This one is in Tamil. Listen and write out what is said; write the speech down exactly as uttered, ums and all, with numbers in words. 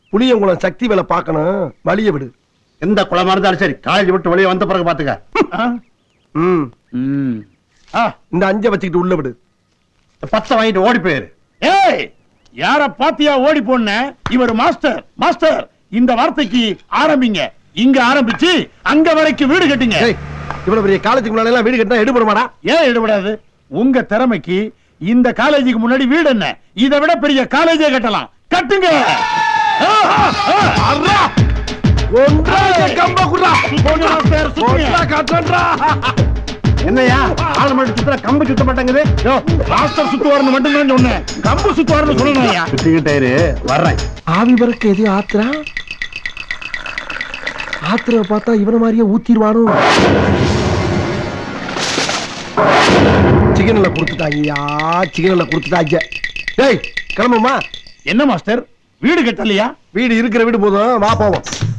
புளியங்குளம் சக்தி வேலை பார்க்கணும், வழிய விடு. எந்த குளமா இருந்தாலும் சரி, காலேஜ் விட்டு வெளியே வந்த பிறகு பாத்துக்க. ம் ம். ஆ, இந்த அஞ்ச வச்சுக்கிட்டு உள்ள விடு. பத்தை வாங்கிட்டு ஓடி போயிரு. ஏய், யார பாத்தியா ஓடி போன? இவர் மாஸ்டர். மாஸ்டர், இந்த வார்த்தைக்கு ஆரம்பிங்க. இங்க ஆரம்பிச்சு அங்க வரைக்கும் வீடு கட்டுங்க. ஏய், இவ்வளவு பெரிய காலேஜுக்கு முன்னாடி எல்லாம் வீடு கட்டினா எடுபடுமாடா? ஏன் எடுபடாது? உங்க திறமைக்கு இந்த காலேஜுக்கு முன்னாடி வீடு என்ன, இதை விட பெரிய காலேஜே கட்டலாம். கட்டுங்க. ஆ, ஆ, அர்ரா! ஒன்றா கம்ப குடுறா. போங்க மாஸ்டர், சுத்துங்க. ஒன்றா கட்டன்றா. என்னையா ஆள் மட்டும் சுத்தல, கம்பு சுத்த மாட்டேங்குது. யோ, மாஸ்டர் சுத்துவாருன்னு மட்டும் தான் சொன்னேன். கம்பு சுத்துவாருன்னு சொல்லணும்யா. சுத்திக்கிட்டாரு வர்றேன். ஆவி வரக்கு எது ஆத்திரா? ஆத்திர பார்த்தா இவன மாதிரியே ஊத்திடுவானோ. சிக்கன்ல கொடுத்துட்டாங்கயா, சிக்கன்ல கொடுத்துட்டாங்க. டேய் கிளம்புமா. என்ன மாஸ்டர், வீடு கட்டலையா? வீடு இருக்கிற வீடு போதும், வா போவோம்.